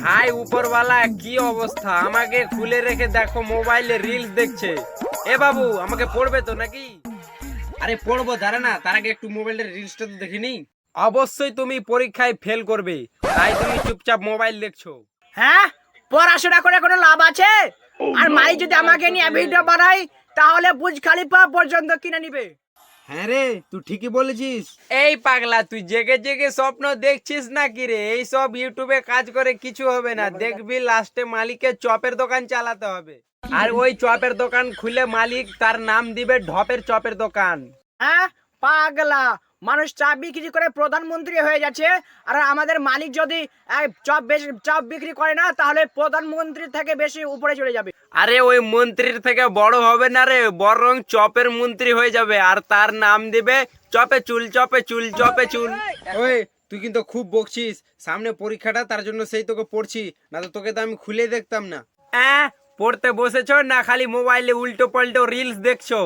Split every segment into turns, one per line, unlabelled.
High উপরওয়ালা, কি অবস্থা? আমাকে খুলে রেখে দেখো মোবাইলে রিলস দেখছে। এ বাবু, আমাকে পড়বে তো নাকি? আরে পড়বো, দাঁড়া না, তার আগে একটু মোবাইলের রিলসটা তো দেখে নি। অবশ্যই তুমি পরীক্ষায় ফেল করবে, তাই তুমি চুপচাপ মোবাইল দেখছো।
হ্যাঁ, পড়াশোনা করে কোনো লাভ আছে? আর মাই যদি আমাকে নিয়ে ভিডিও বানাই তাহলে বুর্জ খলিফা পর্যন্ত কিনে নিবে।
হ্যাঁ রে, তুই ঠিকই বলেছিস। এই পাগলা, তুই জেগে জেগে স্বপ্ন দেখছিস নাকি রে? এই সব ইউটিউবে কাজ করে কিছু হবে না, দেখবি লাস্টে মালিকের চপের দোকান চালাতে হবে। আর ওই চপের দোকান খুলে মালিক তার নাম দিবে ঢপের চপের দোকান।
হ্যাঁ পাগলা, মানুষ চা বিক্রি করে প্রধানমন্ত্রী হয়ে যাচ্ছে, আর আমাদের মালিক যদি চপ বিক্রি করে না তাহলে প্রধানমন্ত্রী থেকে বেশি উপরে চলে যাবে।
আরে ওই মন্ত্রীর থেকে বড় হবে না রে, বরং চপের মন্ত্রী হয়ে যাবে, আর তার নাম দিবে চপে চুল, চপে চুল, চপে চুল। ওই তুই কিন্তু খুব বকছিস, সামনে পরীক্ষাটা, তার জন্য সেই তোকে পড়ছি, না তো তোকে তো আমি খুলে দেখতাম না। পড়তে বসেছো না খালি মোবাইলে উল্টো পাল্টো রিলস দেখছো?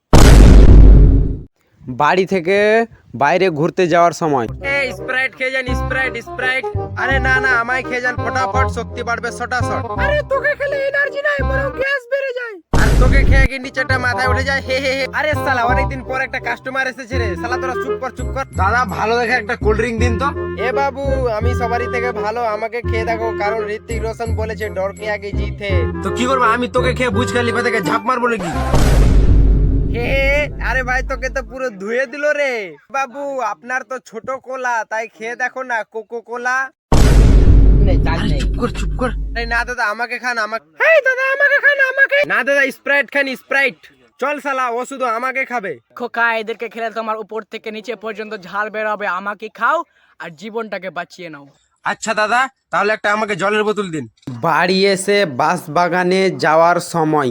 বাড়ি থেকে বাইরে ঘুরতে যাওয়ার সময় এই স্প্রাইট খেয়ে যান, স্প্রাইট স্প্রাইট। আরে না না, আমায় খেয়ে যান, ফটাফট শক্তি বাড়বে শটাশট।
আরে তোকে খেলে এনার্জি নাই, বরং গ্যাস বেড়ে যায়।
আর তোকে খেয়ে কি নিচেটা মাথায় উঠে যায়, হে হে হে। আরে শালা, অনেকদিন পর একটা কাস্টমার এসেছে রে, শালা তোরা চুপ কর চুপ কর। দাদা, ভালো দেখে একটা কোল্ড ড্রিঙ্ক দিন তো। এ বাবু, আমি সবারই থেকে ভালো, আমাকে খেয়ে দেখো, কারণ ঋত্বিক রোশন বলেছে ডর কে আগে জিত হে। তো কি করবো, আমি তোকে খেয়ে বুর্জ খলিফা থেকে ঝাঁপ মারবো নাকি? হে, আরে ভাই, তোকে তো পুরো ধুয়ে দিল রে। বাবু, আপনার তো ছোট কোলা, তাই খেয়ে দেখো না, কোকো কোলা। চুপ কর চুপ কর। না দাদা, আমাকে খান, আমাকে।
এই দাদা, আমাকে খান, আমাকে।
না দাদা, স্প্রাইট খান, স্প্রাইট। চল শালা, ও শুধু আমাকে খাবে।
খোকা, এদেরকে খেলে তোমার উপর থেকে নিচে পর্যন্ত ঝাল বের হবে। আমাকে খাও আর জীবনটাকে বাঁচিয়ে নাও।
আচ্ছা দাদা, তাহলে একটা আমাকে জলের বোতল দিন। বাড়ি এসে বাস বাগানে যাওয়ার সময়।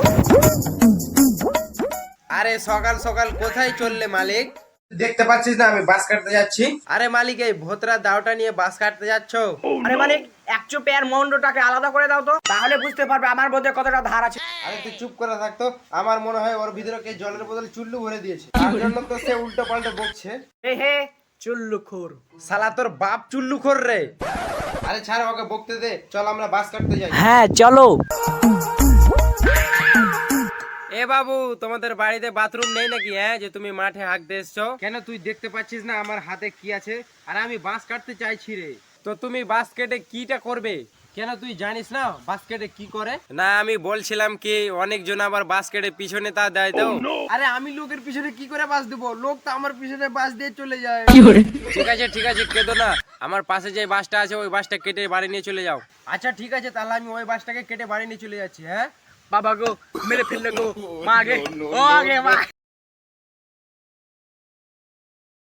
আরে সকাল সকাল কোথায় চললে মালিক? দেখতে পাচ্ছিস না আমি বাস কাটতে যাচ্ছি। আরে মালিক, এই ভোতরা দাওটা নিয়ে বাস কাটতে যাচ্ছ?
আরে মালিক, এক চুপে আর মন্ডটাকে আলাদা করে দাও তো, তাহলে বুঝতে পারবে আমার মধ্যে কতটা ধার আছে।
আরে তুই চুপ করে থাকতো, আমার মনে হয় ওর ভিতরে কে জলের বোতল চুল্লু ভরে দিয়েছে, তার জন্য তো সে উল্টো পাল্টো বকছে।
হে হে, চুল্লুখোর।
শালা তোর বাপ চুল্লু খোর রে। আরে ছাড়, ওকে বকতে দে, চল আমরা বাস কাটতে যাই।
হ্যাঁ চলো।
এ বাবু, তোমাদের বাড়িতে বাথরুম নেই নাকি? হ্যাঁ, যে তুমি মাঠে হাঁকতে এসছো কেন? তুই দেখতে পাচ্ছিস না আমার হাতে কি আছে? আর আমি বাঁশ কাটতে চাইছি রে। তো তুমি বাঁশ কেটে কিটা করবে? কেন তুই জানিস না বাঁশ কেটে কি করে? না, আমি বলছিলাম কি, অনেকজন আবার বাঁশ কেটে পিছনে তা দেয় তো। আরে আমি লোকের পিছনে কি করে বাঁশ দেবো? লোক তো আমার পিছনে বাঁশ দিয়ে চলে যায়। ঠিক আছে ঠিক আছে, কেঁদো না, আমার পাশে যে বাঁশটা আছে ওই বাঁশটা কেটে বাড়ি নিয়ে চলে যাও। আচ্ছা ঠিক আছে, তাহলে আমি ওই বাঁশটাকে কেটে বাড়ি নিয়ে চলে যাচ্ছি। হ্যাঁ
বাবা গো, মেরে ফেললে গো, মা আগে, ও আগে মা।